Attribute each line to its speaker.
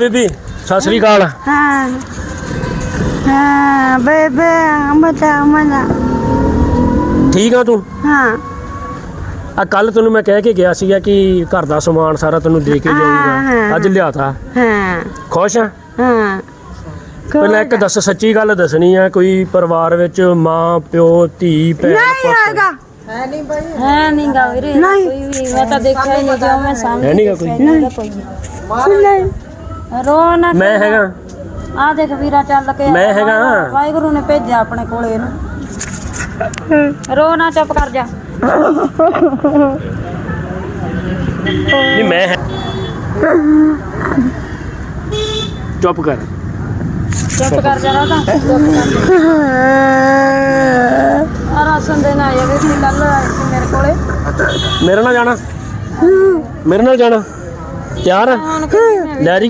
Speaker 1: ਬੀਬੀ ਸਤਿ ਸ੍ਰੀ ਅਕਾਲ।
Speaker 2: ਹਾਂ ਹਾਂ ਬੇਬੇ ਮਤਾ
Speaker 1: ਠੀਕ ਆ ਤੂੰ?
Speaker 2: ਹਾਂ
Speaker 1: ਆ ਕੱਲ ਤੈਨੂੰ ਮੈਂ ਕਹਿ ਕੇ ਗਿਆ ਸੀਗਾ ਕਿ ਘਰ ਦਾ ਸਮਾਨ ਸਾਰਾ ਤੈਨੂੰ ਦੇ ਕੇ ਜਾਊਂਗਾ, ਅੱਜ ਲਿਆਤਾ।
Speaker 2: ਹਾਂ
Speaker 1: ਖੁਸ਼ ਆ?
Speaker 2: ਹਾਂ
Speaker 1: ਪਹਿਲਾਂ ਇੱਕ ਦੱਸ, ਸੱਚੀ ਗੱਲ ਦੱਸਣੀ ਆ, ਕੋਈ ਪਰਿਵਾਰ ਵਿੱਚ ਮਾਂ ਪਿਓ ਧੀ ਭੈਣ
Speaker 2: ਨਹੀਂ ਹੈਗਾ
Speaker 3: ਹੈ ਨਹੀਂ ਗਾ ਵੀਰੇ
Speaker 2: ਨਹੀਂ।
Speaker 3: ਕੋਈ ਵੀ ਮੈਂ ਤਾਂ ਦੇਖਿਆ ਹੀ ਨਹੀਂ ਜੋ ਮੈਂ ਸਾਹਮਣੇ
Speaker 1: ਹੈ ਨੀਗਾ ਕੋਈ?
Speaker 2: ਨਹੀਂ
Speaker 3: ਰੋ ਨਾ
Speaker 1: ਮੈਂ ਹੈਗਾ।
Speaker 3: ਆ ਦੇਖ ਵੀਰਾ ਚੱਲ ਕੇ
Speaker 1: ਮੈਂ ਹੈਗਾ।
Speaker 3: ਵਾਹਿਗੁਰੂ ਨੇ ਭੇਜਿਆ ਆਪਣੇ ਕੋਲੇ ਇਹਨੂੰ। ਰੋ ਨਾ, ਚੁੱਪ ਕਰ ਜਾ।
Speaker 1: ਨਹੀਂ ਮੈਂ ਚੁੱਪ ਕਰ।
Speaker 3: ਚੁੱਪ ਕਰ ਜਾ ਰੋ ਤਾਂ ਆ ਰਾਸ਼ਨ ਦੇਣ ਆਇਆ ਵੀ ਸੀ ਕੱਲ ਆਏ ਸੀ ਮੇਰੇ ਕੋਲੇ।
Speaker 1: ਮੇਰੇ ਨਾਲ ਜਾਣਾ? ਮੇਰੇ ਨਾਲ ਜਾਣਾ? ਤਿਆਰ ਆ?
Speaker 3: ਹੁਣ ਕਿੱਥੇ
Speaker 1: ਡੈਡੀ